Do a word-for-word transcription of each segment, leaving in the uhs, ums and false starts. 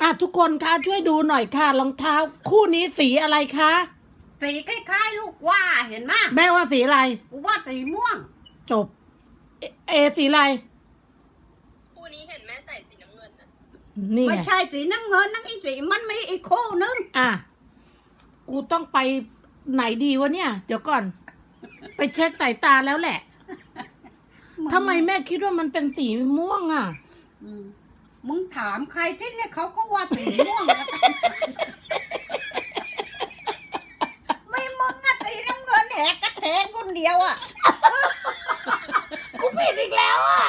ทุกคนคะช่วยดูหน่อยค่ะรองเท้าคู่นี้สีอะไรคะสีคล้ายๆลูกว่าเห็นไหมแม่ว่าสีอะไรกูว่าสีม่วงจบ เอเอสีอะไรคู่นี้เห็นแม่ใส่สีน้ำเงินนะนี่ไม่ไงใช่สีน้ำเงินนั่งอีสีมันมีอีกคู่นึงอ่ะกูต้องไปไหนดีวะเนี่ย เดี๋ยวก่อน ไปเช็คสายตาแล้วแหละทำไมแม่คิดว่ามันเป็นสีม่วงอ่ะอืมมึงถามใครที่เนี่ยเขาก็ว่าสีม่วงนะไม่มึงอะสีน้ำเงินแหกกระแทงคนเดียวอะกูผิดอีกแล้วอ่ะ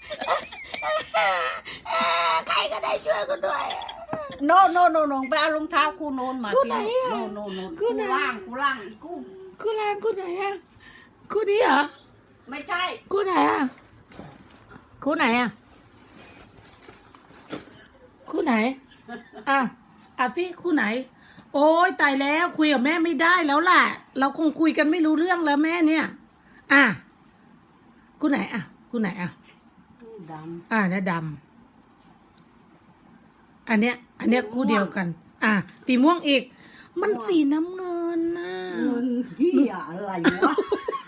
ใครก็ได้ช่วยกูด้วยโนโนโนโนไปเอารองเท้าคู่โนนมาคู่ไหนอะโนโนโนคู่คู่ไหนล่างคู่ล่างอีกคู่คู่แรงคู่ไหนอ่ะคู่นี้เหรอไม่ใช่คู่ไหนอ่ะคู่ไหนอ่ะคู่ไหนอ่ะอ่ะสิคู่ไหน โอ้ยตายแล้วคุยกับแม่ไม่ได้แล้วล่ะ เราคงคุยกันไม่รู้เรื่องแล้วแม่เนี่ย อ่ะคู่ไหนอ่ะคู่ไหนอ่ะดำอ่ะเนี่ยดำอันเนี้ย อันเนี้ยคู่เดียวกัน อ่ะสีม่วงอีก มันสีน้ำเงินนะเงินเหี้ยอะไรวะ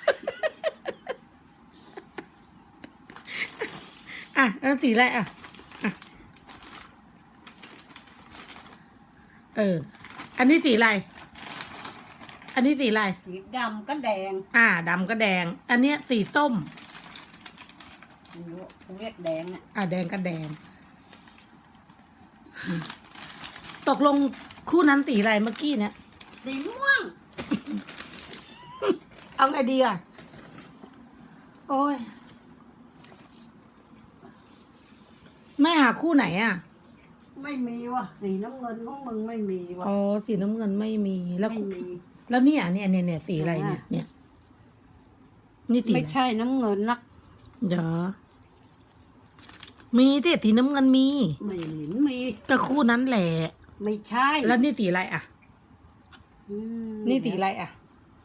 อ่ะแล้วสีอะไรอ่ะอ่ะเออ อันนี้สีอะไร อันนี้สีอะไรสีดำก็แดงอ่าดำก็แดง อันเนี้ยสีส้มกูเรียกแดงอ่ะอ่าแดงก็แดง ตกลงคู่นั้นสีอะไรเมื่อกี้เนี่ยสีม่วงเอาไงดีอ่ะ โอ้ยแม่หาคู่ไหนอ่ะไม่มีว่ะสีน้ำเงินของมึงไม่มีว่ะอ๋อ สีน้ำเงินไม่มี แล้วไม่มีแล้วเนี่ยเนี่ยเนี่ยเนี่ยสีอะไรเนี่ย เนี่ย นี่สีไม่อะไรใช่น้ำเงินนักเดี๋ยวมีที่สีน้ำเงินมีไม่เห็นมีก็คู่นั้นแหละไม่ใช่แล้วนี่สีอะไรอ่ะอืมนี่สีอะไรอ่ะ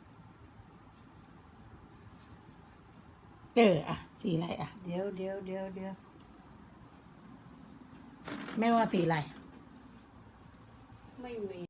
เอออ่ะ สีอะไรอ่ะเดี๋ยวเดี๋ยวเดี๋ยวเดี๋ยวไม่ว่าสีอะไรไม่มี